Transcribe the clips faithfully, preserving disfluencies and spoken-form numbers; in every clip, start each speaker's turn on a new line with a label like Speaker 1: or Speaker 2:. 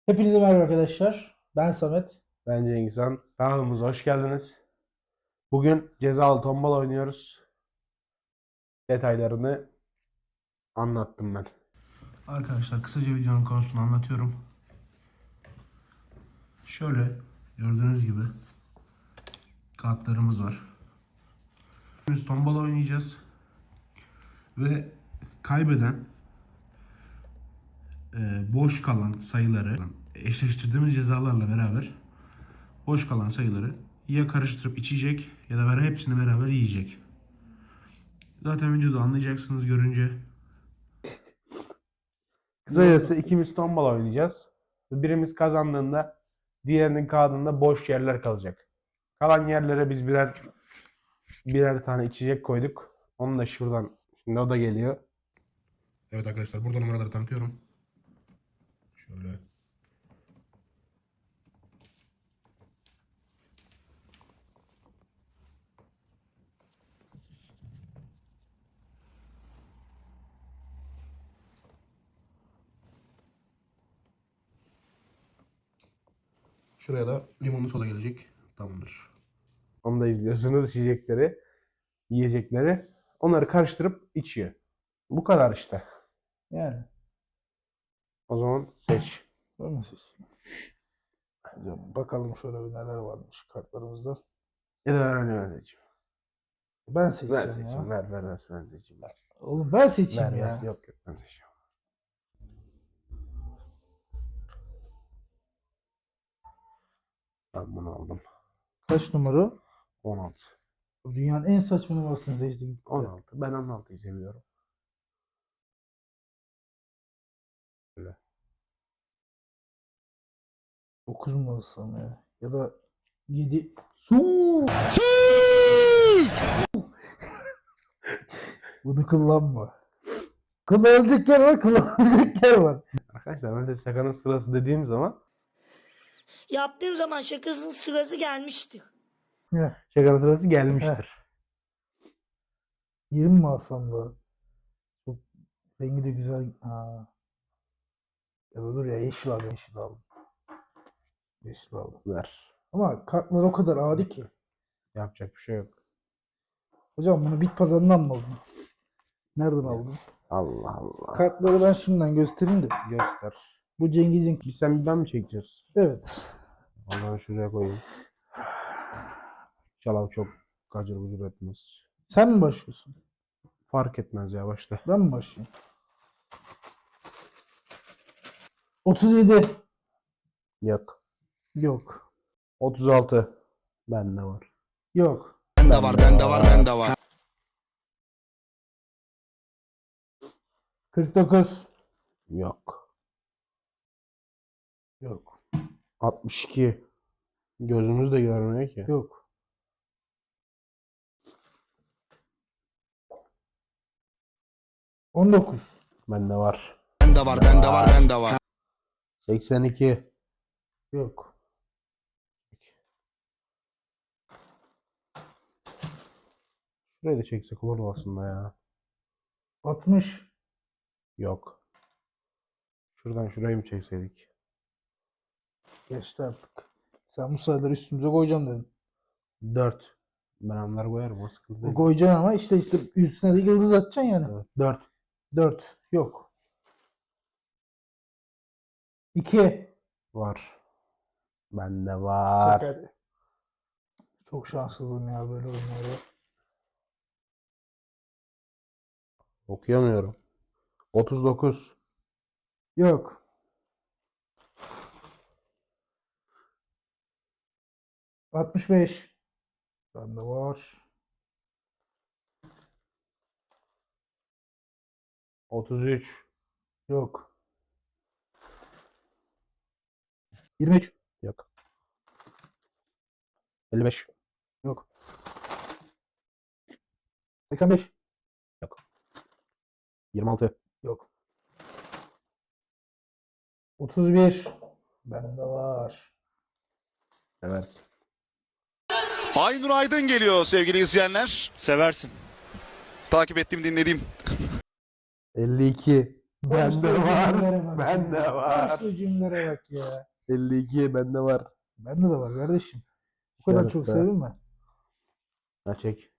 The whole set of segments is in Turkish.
Speaker 1: Hepinize merhaba arkadaşlar. Ben Samet.
Speaker 2: Ben Cengiz Han. Kanalımıza hoş geldiniz. Bugün cezalı tombala oynuyoruz. Detaylarını anlattım ben.
Speaker 3: Arkadaşlar kısaca videonun konusunu anlatıyorum. Şöyle gördüğünüz gibi kartlarımız var. Biz tombala oynayacağız. Ve kaybeden e, boş kalan sayıları eşleştirdiğimiz cezalarla beraber boş kalan sayıları ya karıştırıp içecek ya da beraber hepsini beraber yiyecek. Zaten videoda anlayacaksınız görünce.
Speaker 2: Kısacası ikimiz tombala oynayacağız. Birimiz kazandığında diğerinin kağıdında boş yerler kalacak. Kalan yerlere biz birer birer tane içecek koyduk. Onu da şuradan, şimdi o da geliyor.
Speaker 3: Evet arkadaşlar burada numaraları tanıtıyorum. Şöyle. Şuraya da limonlu soda gelecek. Tamamdır.
Speaker 2: Onu da izliyorsunuz, içecekleri, yiyecekleri. Onları karıştırıp içiyor. Bu kadar işte.
Speaker 1: Yani.
Speaker 2: O zaman seç.
Speaker 1: Böyle siz. Hocam bakalım şöyle bir neler varmış kartlarımızda.
Speaker 2: Ya da öğreniyorum seçeyim.
Speaker 1: Ben
Speaker 2: Ver
Speaker 1: seçeceğim
Speaker 2: seçeyim.
Speaker 1: ya.
Speaker 2: Ver ver ver. Ben seçeyim. Ver.
Speaker 1: Oğlum ben seçeyim
Speaker 2: Ver,
Speaker 1: ya.
Speaker 2: ver. Yok yok ben seçiyorum. Ben bunu aldım.
Speaker 1: Kaç numara?
Speaker 2: on altı.
Speaker 1: Dünyanın en saçma numarasını seçtik.
Speaker 2: on altı. Ben on altıyı seviyorum. Böyle.
Speaker 1: dokuz numarası mı ya? Ya da yedi. Su! Bunu kullanma. Kullanılacak yer var, kullanılacak yer var.
Speaker 2: Arkadaşlar ben size şakanın sırası dediğim zaman
Speaker 4: Yaptığım zaman şakasının sırası gelmişti.
Speaker 1: Heh,
Speaker 2: şakanın sırası gelmiştir.
Speaker 1: yirmi mi alsam da? Çok rengi de güzel. Ha. Ya da dur ya yeşil aldım. Yeşil aldım. Yeşil aldım.
Speaker 2: Ver.
Speaker 1: Ama kartlar o kadar adi ki.
Speaker 2: Yapacak bir şey yok.
Speaker 1: Hocam bunu bit pazarından mı aldın? Nereden aldın?
Speaker 2: Allah Allah.
Speaker 1: Kartları ben şimdiden göstereyim de.
Speaker 2: Göster.
Speaker 1: Bu Cengiz'in.
Speaker 2: Bir sen bir ben mi çekeceğiz?
Speaker 1: Evet.
Speaker 2: O zaman şuraya koyayım. İnşallah çok gacır gucur etmez.
Speaker 1: Sen mi başlıyorsun?
Speaker 2: Fark etmez ya, başla.
Speaker 1: Ben mi başlayayım? otuz yedi.
Speaker 2: Yok.
Speaker 1: Yok.
Speaker 2: otuz altı. Bende var.
Speaker 1: Yok.
Speaker 5: Bende var, bende var, bende var.
Speaker 1: kırk dokuz.
Speaker 2: Yok.
Speaker 1: Yok.
Speaker 2: altmış iki. Gözümüz de görmüyor ki.
Speaker 1: Yok. on dokuz.
Speaker 2: Bende var.
Speaker 5: Bende var, bende var, bende var.
Speaker 2: seksen iki.
Speaker 1: Yok.
Speaker 2: Şurayı da çeksek olur aslında ya.
Speaker 1: altmış.
Speaker 2: Yok. Şuradan şurayı mı çekseydik?
Speaker 1: Geçti artık. Sen bu sayıları üstümüze koyacağım dedin.
Speaker 2: dört. Ben onları koyarım, o sıkıntı
Speaker 1: O
Speaker 2: değil.
Speaker 1: koyacaksın ama işte işte üstüne de yıldız atacaksın yani.
Speaker 2: Evet, dört.
Speaker 1: dört. Yok. iki.
Speaker 2: Var. Bende var.
Speaker 1: Çek hadi. Çok şanssızım ya böyle oyunlarda.
Speaker 2: Okuyamıyorum. otuz dokuz.
Speaker 1: Yok. altmış beş. Bende var.
Speaker 2: otuz üç.
Speaker 1: Yok. yirmi üç.
Speaker 2: Yok. elli beş.
Speaker 1: Yok. seksen beş.
Speaker 2: Yok. yirmi altı.
Speaker 1: Yok. otuz bir. Bende var.
Speaker 2: Seversin.
Speaker 5: Aynur Aydın geliyor sevgili izleyenler.
Speaker 6: Seversin.
Speaker 5: Takip ettiğim, dinlediğim.
Speaker 2: elli iki. Bende
Speaker 1: Konuştuğu
Speaker 2: var.
Speaker 1: cümlelere bak
Speaker 2: Bende
Speaker 1: ya.
Speaker 2: var.
Speaker 1: Konuştuğu cümlelere bak ya.
Speaker 2: elli iki bende var.
Speaker 1: Bende de var kardeşim. Bu kadar çok
Speaker 2: İşaretle.
Speaker 1: sevinme.
Speaker 2: Ha çek.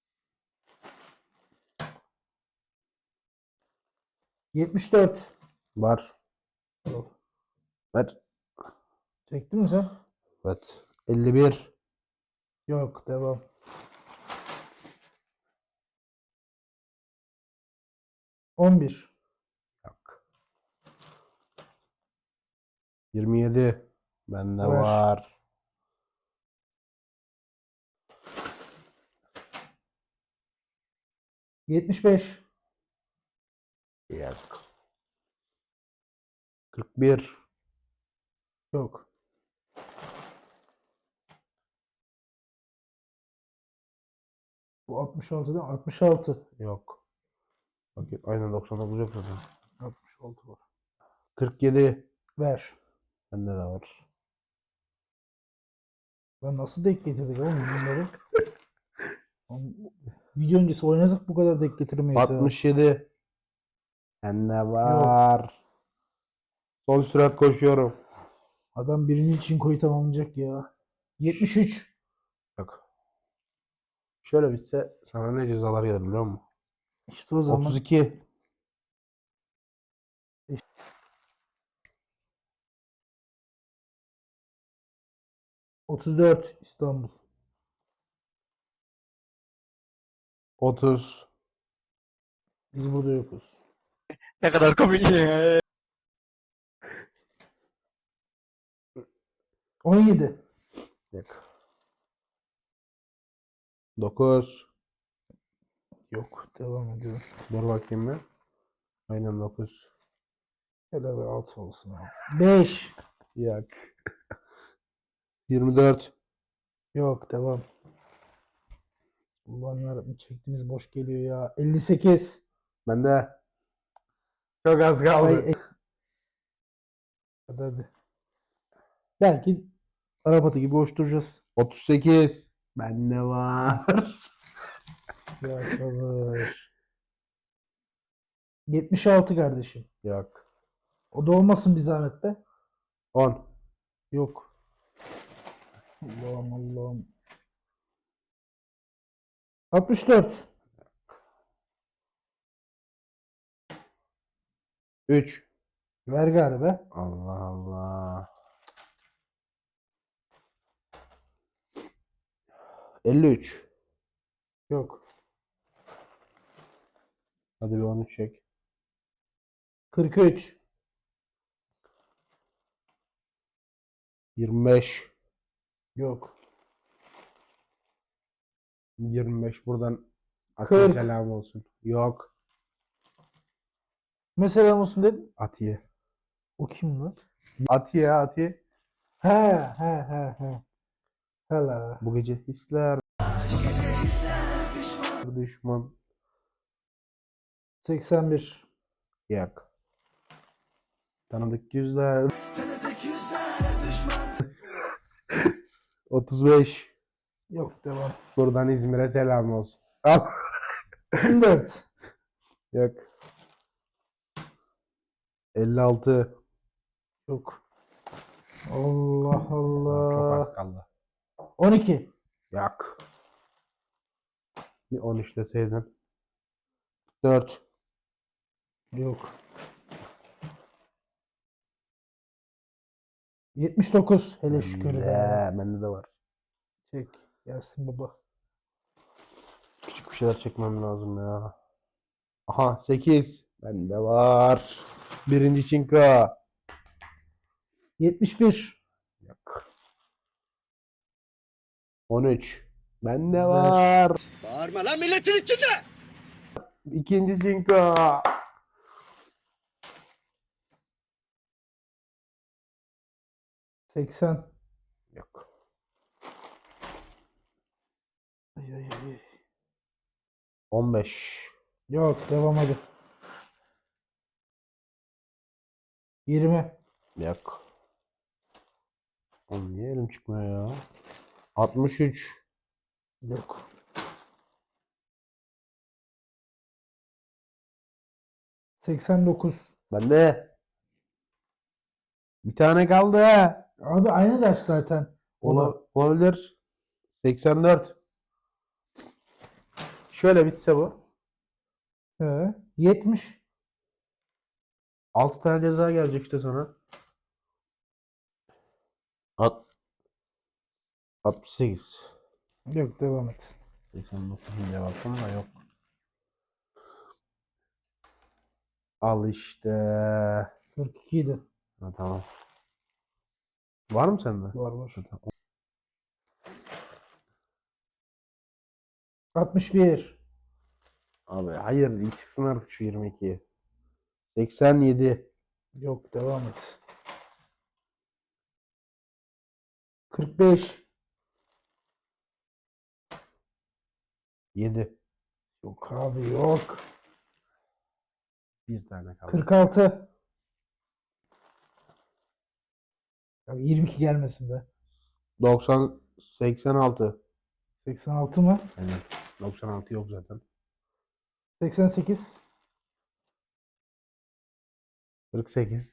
Speaker 1: yetmiş dört.
Speaker 2: Var.
Speaker 1: Al.
Speaker 2: Ver.
Speaker 1: Çektin mi sen?
Speaker 2: Evet. elli bir.
Speaker 1: Yok, devam. on bir.
Speaker 2: Yok. yirmi yedi. Bende
Speaker 1: Ver.
Speaker 2: var.
Speaker 1: yetmiş beş.
Speaker 2: Yok. kırk bir.
Speaker 1: Yok. Bu altmış altı değil mi? altmış altı.
Speaker 2: Yok. Bakayım. Aynen doksan dokuz yok zaten.
Speaker 1: altmış altı var.
Speaker 2: kırk yedi.
Speaker 1: Ver.
Speaker 2: Bende de var.
Speaker 1: Lan nasıl denk getirdik oğlum bunları? Oğlum, video öncesi oynasak bu kadar denk getiremeyiz ya.
Speaker 2: altmış yedi. Bende var. Son sürat koşuyorum.
Speaker 1: Adam birinci çinkoyu tamamlayacak ya. yetmiş üç.
Speaker 2: Yok. Şöyle bitse sana ne cezalar gelir biliyor musun?
Speaker 1: İşte o zaman
Speaker 2: otuz iki.
Speaker 1: otuz dört İstanbul.
Speaker 2: otuz.
Speaker 1: Biz burada yokuz.
Speaker 6: Ne kadar komik ya.
Speaker 1: on yedi.
Speaker 2: Yok. dokuz.
Speaker 1: Yok. Devam ediyorum.
Speaker 2: Dur bakayım bir. Aynen dokuz.
Speaker 1: Hele bir altı olsun abi. beş.
Speaker 2: Yok. yirmi dört.
Speaker 1: Yok. Devam. Ulan yarabbim çektiğimiz boş geliyor ya. elli sekiz.
Speaker 2: Bende. Çok az kaldı.
Speaker 1: Ay, e- hadi hadi. Belki Arapatı gibi boş duracağız.
Speaker 2: otuz sekiz. Bende var.
Speaker 1: Ya sabır. yetmiş altı kardeşim.
Speaker 2: Yok.
Speaker 1: O da olmasın bir zahmet be.
Speaker 2: on.
Speaker 1: Yok. Allah'ım Allah'ım. altmış dört.
Speaker 2: üç.
Speaker 1: Ver galiba.
Speaker 2: Allah Allah. elli üç.
Speaker 1: Yok.
Speaker 2: Hadi bir on üç çek.
Speaker 1: kırk üç.
Speaker 2: yirmi beş.
Speaker 1: Yok.
Speaker 2: yirmi beş buradan Atiye
Speaker 1: kırk.
Speaker 2: selam olsun. Yok.
Speaker 1: Mesela olsun dedim.
Speaker 2: Atiye.
Speaker 1: O kim lan?
Speaker 2: Atiye Atiye.
Speaker 1: He he he he. Hala.
Speaker 2: Bu gece hisler. Düşman.
Speaker 1: seksen bir.
Speaker 2: Yok. Tanıdık yüzler. otuz beş.
Speaker 1: Yok devam.
Speaker 2: Buradan İzmir'e selam olsun. Al.
Speaker 1: on dört.
Speaker 2: Yok. elli altı.
Speaker 1: Yok. Allah
Speaker 2: Çok
Speaker 1: Allah.
Speaker 2: az kaldı.
Speaker 1: on iki.
Speaker 2: Yok. Bir on üç deseydin. dört.
Speaker 1: Yok. yetmiş dokuz. Hele şükür be.
Speaker 2: Bende, bende de var.
Speaker 1: Çek. Gelsin baba.
Speaker 2: Küçük bir şeyler çekmem lazım ya. Aha sekiz. Bende var. Birinci çinko.
Speaker 1: yetmiş bir.
Speaker 2: Yok. on üç. Bende
Speaker 1: Ver.
Speaker 2: var.
Speaker 5: Bağırma lan milletin içinde.
Speaker 2: İkinci çinko.
Speaker 1: seksen.
Speaker 2: Yok.
Speaker 1: Ay, ay, ay.
Speaker 2: on beş.
Speaker 1: Yok. Devam hadi. yirmi.
Speaker 2: Yok. Oğlum niye elim çıkmıyor ya? altmış üç.
Speaker 1: Yok. seksen dokuz.
Speaker 2: Bende. Bir tane kaldı.
Speaker 1: Abi aynı ders zaten. O da.
Speaker 2: Ola- Olabilir. seksen dört. Şöyle bitse bu.
Speaker 1: He, yetmiş.
Speaker 2: altı tane ceza gelecek işte sana. At. altmış sekiz.
Speaker 1: Yok, devam et.
Speaker 2: seksen dokuz cevabım da yok. Al işte.
Speaker 1: kırk iki idi.
Speaker 2: Ha, tamam. Var mı sende?
Speaker 1: Var var.
Speaker 2: Tamam.
Speaker 1: altmış bir.
Speaker 2: Abi hayır, ilk çıksın artık şu yirmi ikiye. seksen yedi.
Speaker 1: Yok, devam et. kırk beş.
Speaker 2: yedi.
Speaker 1: Yok abi, yok.
Speaker 2: Bir tane kaldı.
Speaker 1: kırk altı. Ya yirmi iki gelmesin be.
Speaker 2: doksan. seksen altı.
Speaker 1: seksen altı mı?
Speaker 2: Yani doksan altı yok zaten.
Speaker 1: seksen sekiz.
Speaker 2: kırk sekiz.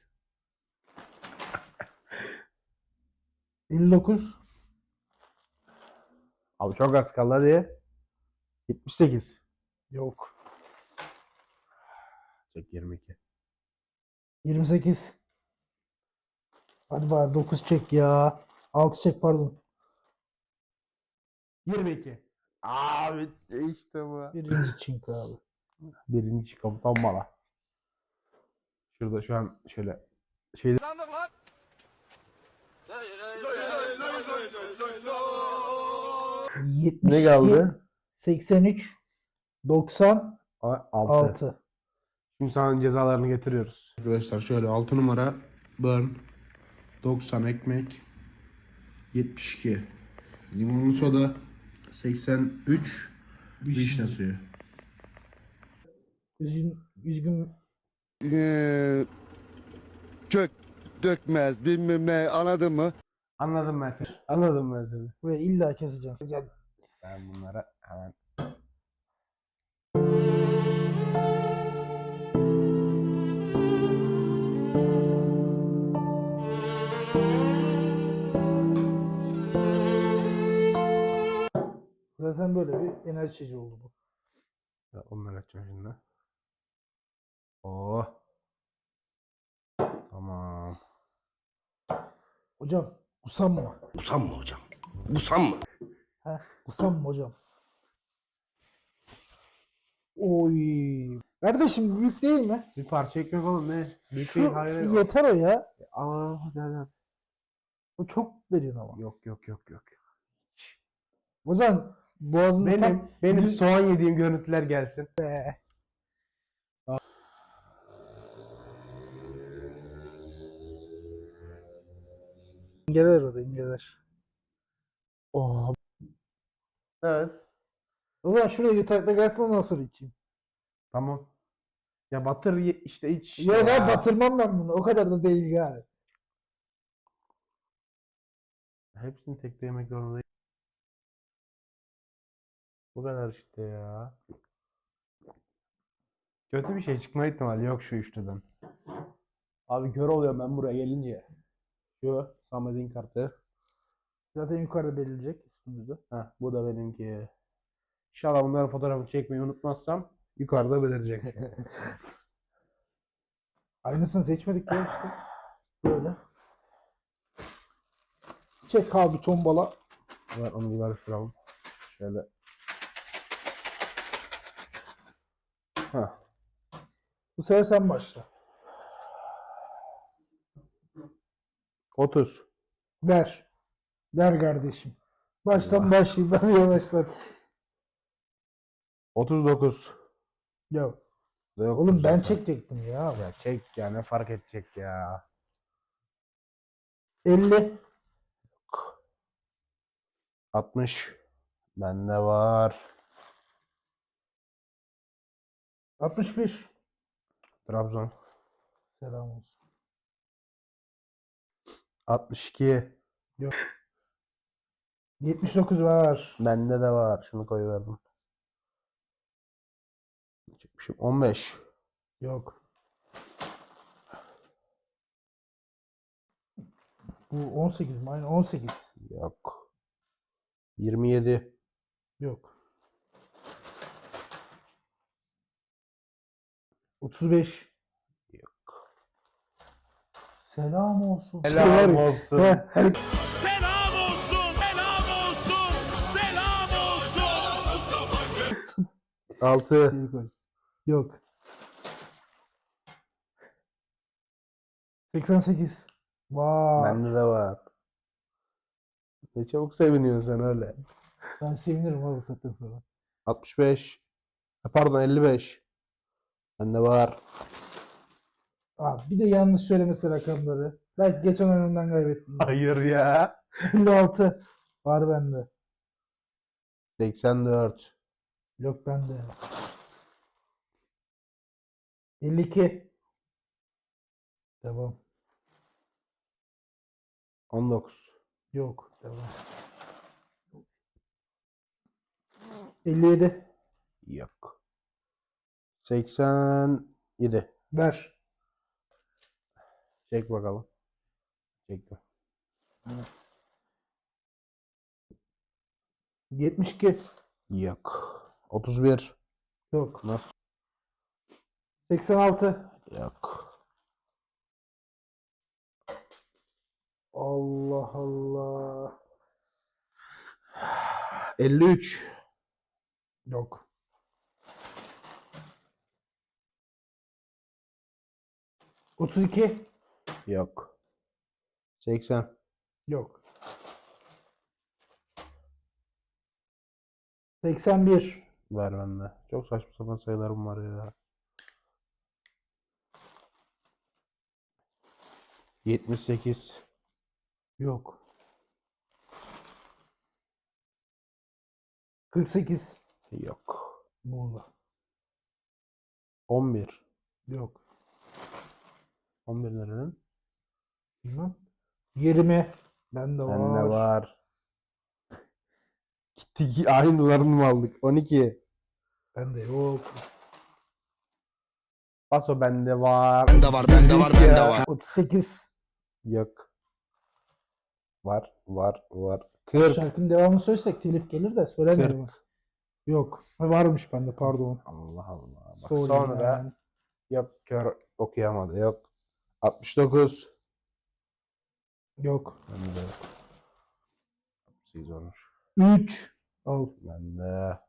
Speaker 1: elli dokuz.
Speaker 2: Abi çok az kaldı hadi. yetmiş sekiz.
Speaker 1: Yok.
Speaker 2: Çek yirmi iki.
Speaker 1: yirmi sekiz. Hadi bari dokuz çek ya. altı çek, pardon.
Speaker 2: yirmi iki. Abi işte bu.
Speaker 1: Birinci çink abi.
Speaker 2: Birinci komutan bana. Şurada şu an şöyle şeyde
Speaker 1: yetmiş
Speaker 2: ne
Speaker 1: iki,
Speaker 2: kaldı?
Speaker 1: seksen üç. doksan
Speaker 2: altı.
Speaker 1: altı.
Speaker 2: Şimdi sana cezalarını getiriyoruz.
Speaker 3: Arkadaşlar şöyle altı numara burn, doksan ekmek, yetmiş iki limonlu soda, seksen üç vişne suyu.
Speaker 1: Üzgün, üzgün
Speaker 5: Ee, kök dökmez bilmem ne anladın mı?
Speaker 2: Anladım ben seni. Anladım ben seni.
Speaker 1: ve illa keseceğiz. Gel.
Speaker 2: Ben bunlara hemen
Speaker 1: Zaten böyle bir enerji içeceği oldu bu.
Speaker 2: Ya onları açacağım şimdi. Oh. Tamam.
Speaker 1: Hocam usanma.
Speaker 5: Usanma hocam. Usanma.
Speaker 1: Heh, usanma hocam. Oy. Kardeşim, büyük değil mi?
Speaker 2: Bir parça ekmek oğlum ne? Büyük
Speaker 1: Şu
Speaker 2: değil, hayır.
Speaker 1: yeter o ya.
Speaker 2: Aa hadi hadi.
Speaker 1: O çok veriyorsun ama.
Speaker 2: Yok yok yok yok.
Speaker 1: O zaman boğazında
Speaker 2: Benim
Speaker 1: tam
Speaker 2: benim
Speaker 1: yüz-
Speaker 2: soğan yediğim görüntüler gelsin.
Speaker 1: İngeler o da, ingeler.
Speaker 2: Oh. Evet.
Speaker 1: O zaman şuraya yutakta gelsin, ondan sonra içeyim.
Speaker 2: Tamam. Ya batır ye- işte iç işte
Speaker 1: Ya
Speaker 2: ya.
Speaker 1: ben batırmam ben bunu. O kadar da değil yani.
Speaker 2: Hepsini tek de yemek zorundayım. Bu kadar işte ya. Kötü bir şey çıkma ihtimali yok şu üçlüden. Abi kör oluyorum ben buraya gelince. Şu Samet'in kartı.
Speaker 1: Zaten yukarıda belirleyecek üstümüzde.
Speaker 2: Heh, bu da benimki. İnşallah bunların fotoğrafını çekmeyi unutmazsam yukarıda belirecek.
Speaker 1: Aynısını seçmedik ya işte. Böyle. Çek abi tombala.
Speaker 2: Ver onu bir karıştıralım. Şöyle. Heh.
Speaker 1: Bu sefer sen başla.
Speaker 2: otuz.
Speaker 1: Ver. Ver kardeşim. Baştan
Speaker 2: Allah.
Speaker 1: başlayayım. Ben yavaşlat.
Speaker 2: otuz dokuz.
Speaker 1: Ya
Speaker 2: Da yok
Speaker 1: oğlum, ben
Speaker 2: zaten.
Speaker 1: çekecektim ya.
Speaker 2: Ya çek ya, ne fark edecek ya.
Speaker 1: elli.
Speaker 2: altmış. Bende var.
Speaker 1: altmış bir.
Speaker 2: Trabzon.
Speaker 1: Selam olsun.
Speaker 2: altmış iki.
Speaker 1: yetmiş dokuz var.
Speaker 2: Bende de var. Şunu koyuverdim. Çekmişim. on beş.
Speaker 1: Yok. Bu on sekiz mi? Aynen on sekiz.
Speaker 2: Yok. yirmi yedi.
Speaker 1: Yok. otuz beş.
Speaker 2: Yok.
Speaker 1: Selam olsun.
Speaker 2: Selam
Speaker 1: Şey var ya,
Speaker 2: olsun.
Speaker 1: he, her-
Speaker 7: Selam olsun, selam olsun, selam olsun.
Speaker 2: altı.
Speaker 1: şey koy. Yok. seksen sekiz. Vay.
Speaker 2: Bende de var. Ne çabuk seviniyorsun sen öyle.
Speaker 1: Ben sevinirim abi bu saatten sonra.
Speaker 2: altmış beş. Ha, Pardon elli beş. Bende var.
Speaker 1: Abi bir de yanlış söylemesi rakamları. Belki geçen oyundan kaybettim.
Speaker 2: Hayır ya.
Speaker 1: elli altı. Var bende.
Speaker 2: seksen dört.
Speaker 1: Yok bende. elli iki. Devam.
Speaker 2: on dokuz.
Speaker 1: Yok. Devam. elli yedi.
Speaker 2: Yok. seksen yedi.
Speaker 1: Ver.
Speaker 2: Çek bakalım. Çektim.
Speaker 1: yetmiş iki.
Speaker 2: Yok. otuz bir.
Speaker 1: Yok.
Speaker 2: Nasıl?
Speaker 1: seksen altı.
Speaker 2: Yok.
Speaker 1: Allah Allah.
Speaker 2: elli üç.
Speaker 1: Yok. otuz iki.
Speaker 2: Yok. seksen.
Speaker 1: Yok. seksen bir.
Speaker 2: Ver bende. Çok saçma sapan sayılarım var ya. yetmiş sekiz.
Speaker 1: Yok. kırk sekiz.
Speaker 2: Yok.
Speaker 1: Muğla.
Speaker 2: on bir.
Speaker 1: Yok.
Speaker 2: on bir nerenin?
Speaker 1: Bilmem. yirmi. Bende var.
Speaker 2: Bende var. Gittik aynı dolarını mı aldık? on iki.
Speaker 1: Bende yok.
Speaker 2: Paso bende var.
Speaker 5: Bende var, bende var, bende var.
Speaker 1: otuz sekiz.
Speaker 2: Yok. Var, var, var. kırk.
Speaker 1: Şarkının devamını söylesek telif gelir de söylemiyorum. Yok. Ha, varmış bende pardon.
Speaker 2: Allah Allah. Bak
Speaker 1: Sorry
Speaker 2: sonra
Speaker 1: yani.
Speaker 2: yok kör okuyamadı. Yok. altmış dokuz.
Speaker 1: Yok.
Speaker 2: Bende yok. altmış sekiz olmuş.
Speaker 1: üç. Al.
Speaker 2: Bende.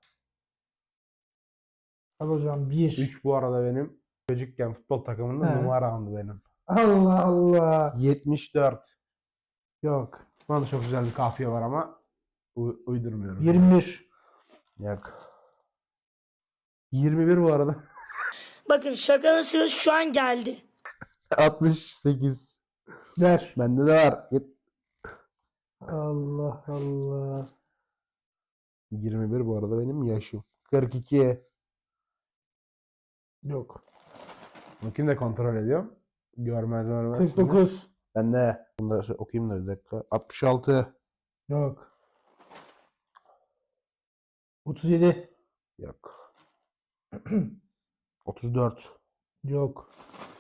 Speaker 1: Al hocam bir.
Speaker 2: üç bu arada benim çocukken futbol takımında
Speaker 1: He.
Speaker 2: numaramdı benim.
Speaker 1: Allah Allah.
Speaker 2: yetmiş dört.
Speaker 1: Yok.
Speaker 2: Bana da çok güzel bir kafiye var ama u- uydurmuyorum.
Speaker 1: yirmi bir.
Speaker 2: Yok. yirmi bir bu arada.
Speaker 4: Bakın şakanın sırası şu an geldi.
Speaker 2: altmış sekiz.
Speaker 1: Ver.
Speaker 2: Bende de var. Yet-
Speaker 1: Allah Allah.
Speaker 2: yirmi bir bu arada benim yaşım. kırk iki.
Speaker 1: Yok.
Speaker 2: Bakayım da kontrol ediyorum. Görmez görmez.
Speaker 1: kırk dokuz.
Speaker 2: Ben de bunu da okuyayım da bir dakika. altmış altı.
Speaker 1: Yok. otuz yedi.
Speaker 2: Yok. otuz dört.
Speaker 1: Yok.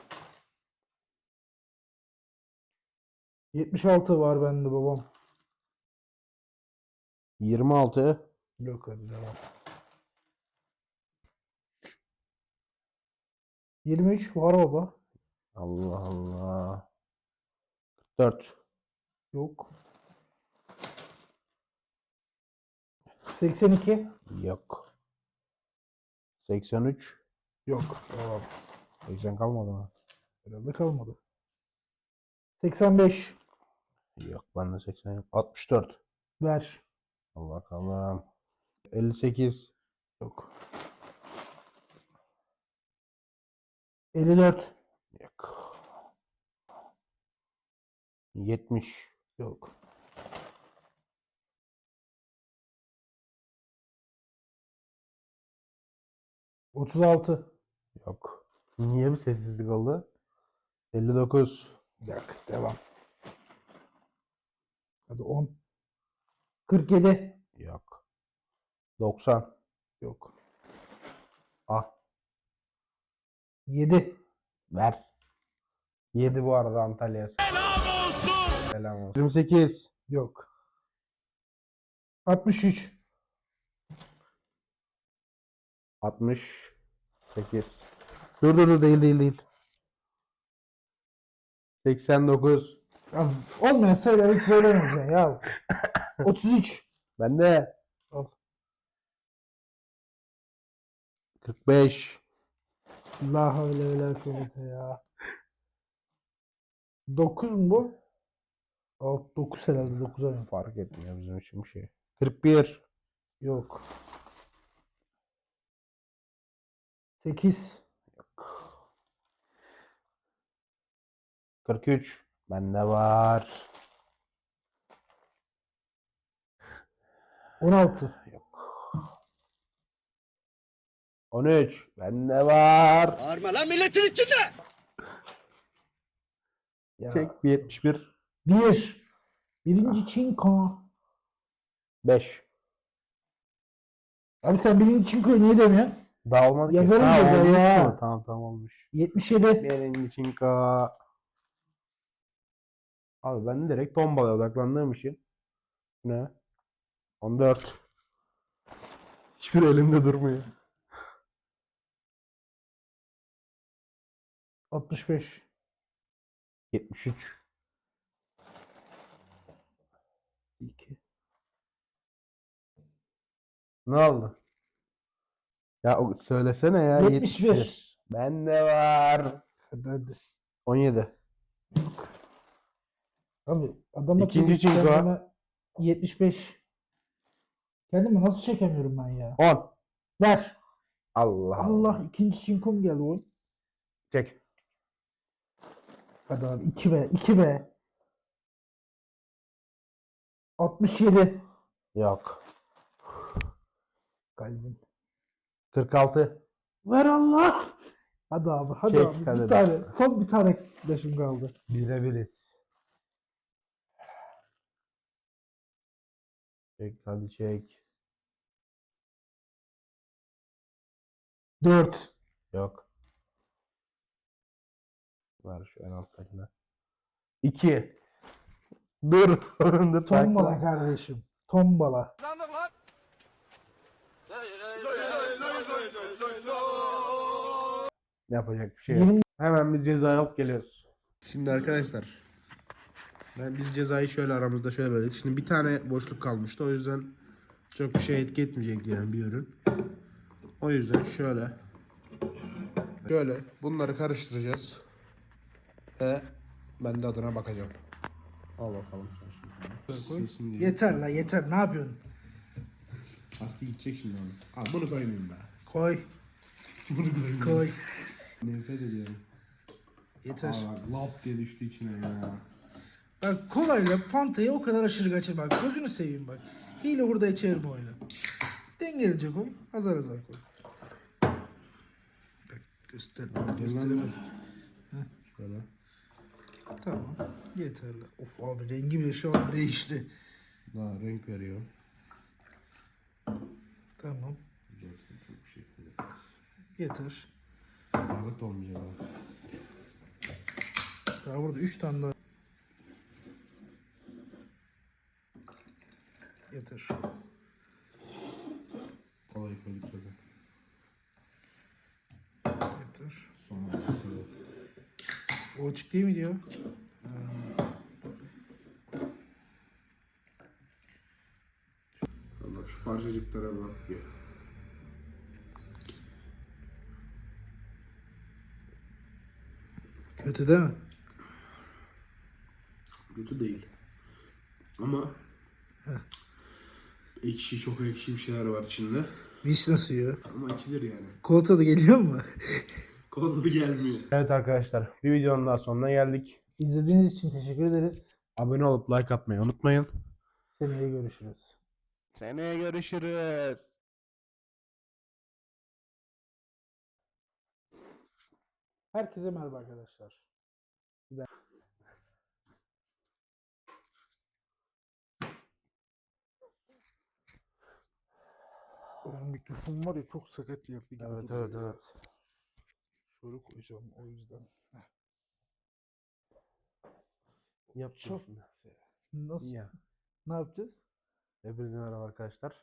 Speaker 1: yetmiş altı var bende babam.
Speaker 2: yirmi altı.
Speaker 1: Yok hadi devam. yirmi üç var baba.
Speaker 2: Allah Allah. kırk dört.
Speaker 1: Yok. seksen iki.
Speaker 2: Yok. seksen üç.
Speaker 1: Yok. Devam.
Speaker 2: seksen kalmadı mı?
Speaker 1: Herhalde kalmadı. seksen beş.
Speaker 2: Yok bende seksen yok. altmış dört.
Speaker 1: Ver.
Speaker 2: Allah bakalım. elli sekiz.
Speaker 1: Yok. elli dört.
Speaker 2: Yok. yetmiş.
Speaker 1: Yok. otuz altı.
Speaker 2: Yok. Niye bir sessizlik oldu? elli dokuz.
Speaker 1: Yok. Devam. Hadi on. kırk yedi.
Speaker 2: Yok. doksan.
Speaker 1: Yok.
Speaker 2: Ah.
Speaker 1: yedi.
Speaker 2: Ver. yedi bu arada Antalya'ya.
Speaker 7: Selam olsun,
Speaker 2: Selam olsun. yirmi sekiz.
Speaker 1: Yok. altmış üç.
Speaker 2: altmış sekiz. Dur dur dur değil değil değil. seksen dokuz.
Speaker 1: Ya, olmayan sayıları hiç söylemeyeceksin ya. otuz üç.
Speaker 2: Bende.
Speaker 1: Al.
Speaker 2: kırk beş.
Speaker 1: La havle ve la kuvvete ya. dokuz mu bu? Alt dokuz herhalde. dokuza mı?
Speaker 2: Fark etmiyor bizim için bir şey. kırk bir.
Speaker 1: Yok. sekiz.
Speaker 2: kırk üç. Bende var.
Speaker 1: on altı.
Speaker 2: on üç. Bende var.
Speaker 5: Bağırma lan milletin içinde.
Speaker 1: Ya.
Speaker 2: Çek bir yetmiş bir.
Speaker 1: bir. Birinci çinko.
Speaker 2: beş.
Speaker 1: Abi sen birinci çinkoyu niye demiyorsun?
Speaker 2: Daha olmadı ki.
Speaker 1: Yazarım
Speaker 2: Ha,
Speaker 1: cezayı
Speaker 2: olmuş
Speaker 1: ya.
Speaker 2: mu? Tamam tamam olmuş.
Speaker 1: yetmiş yedi.
Speaker 2: Birinci çinko. Abi ben direkt tombalaya odaklandığım için. Ne? on dört. Hiçbir elimde durmuyor.
Speaker 1: altmış beş.
Speaker 2: yetmiş üç.
Speaker 1: iki.
Speaker 2: Ne oldu? Ya o- söylesene ya.
Speaker 1: yetmiş bir.
Speaker 2: Bende var.
Speaker 1: Hadi hadi.
Speaker 2: on yedi.
Speaker 1: Abi adamla
Speaker 2: İkinci
Speaker 1: çekip
Speaker 2: çinko.
Speaker 1: kendime yetmiş beş. Kendimi nasıl çekemiyorum ben ya?
Speaker 2: on.
Speaker 1: Ver.
Speaker 2: Allah
Speaker 1: Allah ikinci çinkom geldi oyun.
Speaker 2: Çek.
Speaker 1: Hadi abi iki be iki be. altmış yedi.
Speaker 2: Yok.
Speaker 1: Kalbim.
Speaker 2: kırk altı.
Speaker 1: Ver Allah. Hadi abi hadi
Speaker 2: Çek,
Speaker 1: abi
Speaker 2: hadi
Speaker 1: bir
Speaker 2: be.
Speaker 1: tane. Son bir tane yaşım kaldı.
Speaker 2: Bire biriz. Çek hadi çek.
Speaker 1: dört.
Speaker 2: Yok. Ver şu en alttakine. iki. Dur. Dur.
Speaker 1: Tombala
Speaker 2: sakin.
Speaker 1: kardeşim. Tombala.
Speaker 2: Yapacak bir şey yok.
Speaker 1: Yirmi-
Speaker 2: Hemen biz cezayı alıp geliyoruz. Şimdi arkadaşlar. Ben biz cezayı şöyle aramızda şöyle böyle. Şimdi bir tane boşluk kalmıştı. O yüzden çok bir şey etki etmeyecekti yani bir ürün. O yüzden şöyle. Şöyle bunları karıştıracağız. Ve ben de adına bakacağım. Al bakalım. Silsin diye.
Speaker 1: Yeter la yeter. Ne yapıyorsun?
Speaker 2: Aslı gidecek şimdi onu. Al bunu koymayayım be.
Speaker 1: Koy.
Speaker 2: Bunu koymayayım.
Speaker 1: Koy.
Speaker 2: Nefret ediyorum.
Speaker 1: Yeter.
Speaker 2: Aa bak lap diye düştü içine ya.
Speaker 1: Bak kolayla Fanta'yı o kadar aşırı kaçırma. Bak gözünü seveyim bak. Hile burada çevirme oyunu. Dengelece koy. Azar azar koy. Bak göster. Gösteremedik.
Speaker 2: Şöyle.
Speaker 1: Tamam. Yeterli. Of abi rengi bile şu an değişti.
Speaker 2: Daha renk veriyor.
Speaker 1: Tamam.
Speaker 2: Güzel. Çok bir şey yapıyoruz.
Speaker 1: Yeter.
Speaker 2: Ağırlık da olmayacak abi.
Speaker 1: Daha burada üç tane daha. Yeter.
Speaker 2: Kolay koyduk zaten.
Speaker 1: Yeter.
Speaker 2: Sonra bakıyor.
Speaker 1: O açık değil mi diyor?
Speaker 2: Allah şu parçacıklara bak bir.
Speaker 1: Kötü değil mi?
Speaker 2: Kötü değil. Ama ekşi, çok ekşi bir şeyler var içinde.
Speaker 1: Vişne suyu.
Speaker 2: Ama içilir yani.
Speaker 1: Kola tadı geliyor mu?
Speaker 2: Kola gelmiyor. Evet arkadaşlar, bir videonun daha sonuna geldik.
Speaker 1: İzlediğiniz için teşekkür ederiz.
Speaker 2: Abone olup like atmayı unutmayın.
Speaker 1: Seneye görüşürüz.
Speaker 2: Seneye görüşürüz.
Speaker 1: Herkese merhaba arkadaşlar. Benim mikrofon var ya çok sakat yaptı gibi.
Speaker 2: Evet
Speaker 1: duruyor
Speaker 2: evet
Speaker 1: ya.
Speaker 2: evet.
Speaker 1: Şöyle koyacağım o yüzden. Heh.
Speaker 2: Yap
Speaker 1: Çok
Speaker 2: şimdi.
Speaker 1: nasıl?
Speaker 2: Ya.
Speaker 1: Ne yapacağız?
Speaker 2: Hepinize merhaba arkadaşlar.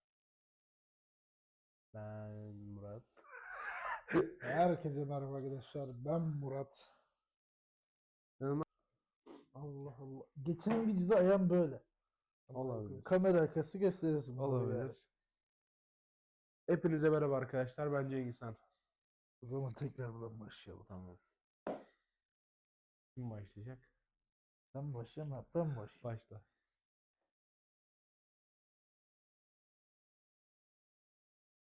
Speaker 2: Ben Murat.
Speaker 1: Herkese merhaba arkadaşlar. Ben Murat.
Speaker 2: Merhaba.
Speaker 1: Allah Allah. Geçen videoda ayağım böyle.
Speaker 2: Olabilir.
Speaker 1: Kamera arkası gösterirsin. bunu yani.
Speaker 2: Olabilir. Hepinize merhaba arkadaşlar. Ben Cengiz Han.
Speaker 1: O zaman tekrar buradan başlayalım.
Speaker 2: Tamam. Kim başlayacak?
Speaker 1: Ben başlayayım. ha, Ben başlayayım.
Speaker 2: Başla.